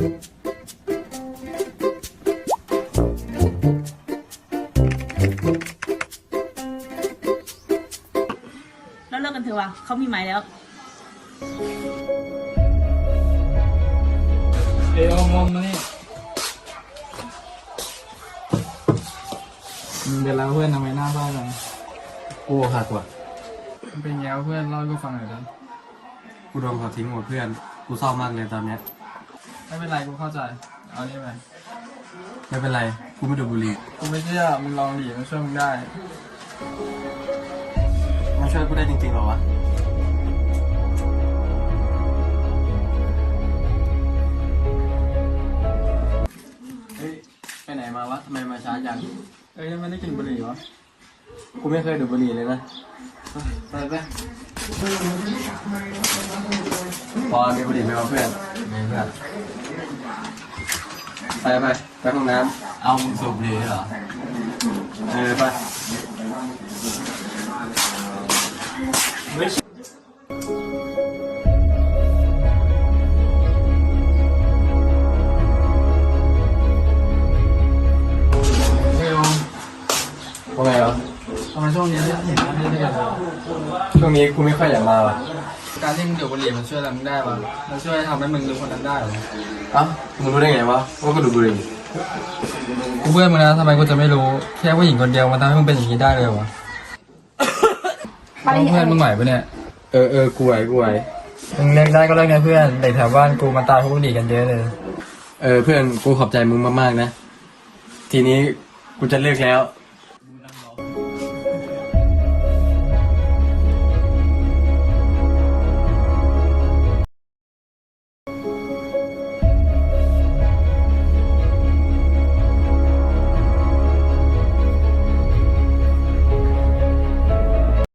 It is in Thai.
แล้วเลิกกันเถอะวะเขามีหมายแล้วอมมานี่มึงเป็นแล้วเพื่อนทำไมหน้าเศร้าจังกูหักว่ะมันเป็นไงเพื่อนเล่าให้กูฟังหน่อยดิกูโดนเขาทิ้งหมดเพื่อนกูเศร้ามากเลยตอนเนี้ยไม่เป็นไรกูเข้าใจเอานี่ไปไม่เป็นไรกูไม่ดูดบุหรี่กูไม่เชื่อมึงลองดิมันช่วยมึงได้มันช่วยกูได้จริงๆหรอวะเฮ้ยไปไหนมาวะทำไมมาช้าจังยังไม่ได้กินบุหรี่วะกูไม่เคยดูดบุหรี่เลยนะไปพอมีบุหรี่ไหมวะเพื่อนไม่เพื่อนไปห้องน้ำเอามึงสูบบุหรี่เหรอไปว่าไงวะทำไมช่วงนี้เห็นไม่ได้กันเลยช่วงนี้กูไม่ค่อยอยากมาว่ะการที่มึงดูดบุหรี่มันช่วยอะไรมึงได้ปะมันช่วยทำให้มึงดูคนนั้นได้หรอมึงรู้ได้ไงวะว่ากูดูดบุหรี่กูเพื่อนมึงนะทำไมกูจะไม่รู้แค่ผู้หญิงคนเดียวมันทำให้มึงเป็นอย่างนี้ได้เลยวะเพื่อนมึงไหวปะเนี่ยกูไหวมึงเลิกได้ก็เลิกนะเพื่อนเด็กแถวบ้านกูมาตายเพราะบุหรี่กันเยอะเลยเพื่อนกูขอบใจมึงมากๆนะทีนี้กูจะเลิกแล้ว